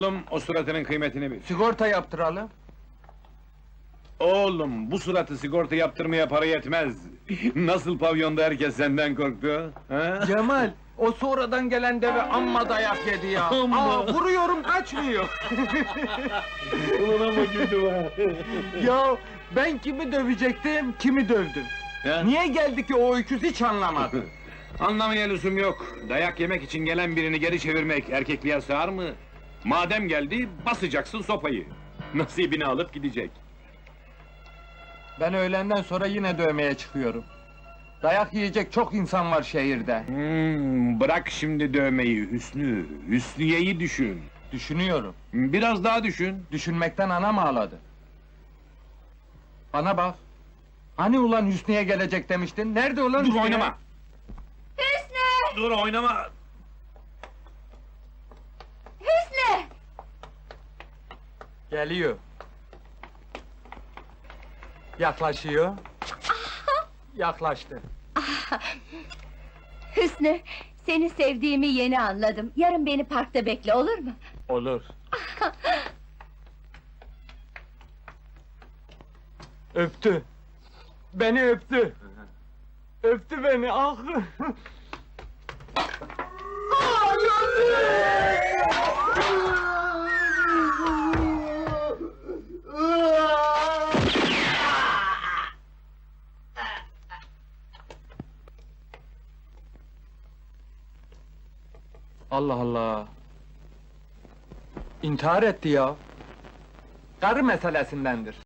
Oğlum, o suratının kıymetini bil. Sigorta yaptıralım. Oğlum, bu suratı sigorta yaptırmaya para yetmez. Nasıl pavyonda herkes senden korktu, ha? Cemal, o sonradan gelen deve amma dayak yedi ya. Amma! Vuruyorum kaçmıyor. Ulan ama güldüm ha! Ya ben kimi dövecektim, kimi dövdüm. Ya? Niye geldi ki o öküz hiç anlamadım. Anlamaya lüzum yok. Dayak yemek için gelen birini geri çevirmek erkekliğe sığar mı? Madem geldi, basacaksın sopayı. Nasibini alıp gidecek. Ben öğlenden sonra yine dövmeye çıkıyorum. Dayak yiyecek çok insan var şehirde. Bırak şimdi dövmeyi Hüsnü. Hüsniye'yi düşün. Düşünüyorum. Biraz daha düşün. Düşünmekten anam ağladı. Bana bak. Hani ulan Hüsnü'ye gelecek demiştin? Nerede ulan Dur Hüsnü? oynama! Hüsnü! Dur oynama! Hüsnü! Geliyor. Yaklaşıyor. Yaklaştı. Hüsnü, seni sevdiğimi yeni anladım. Yarın beni parkta bekle, olur mu? Olur. Öptü. Beni öptü. Öptü beni, ah! Allah Allah! İntihar etti ya! Karı meselesindendir.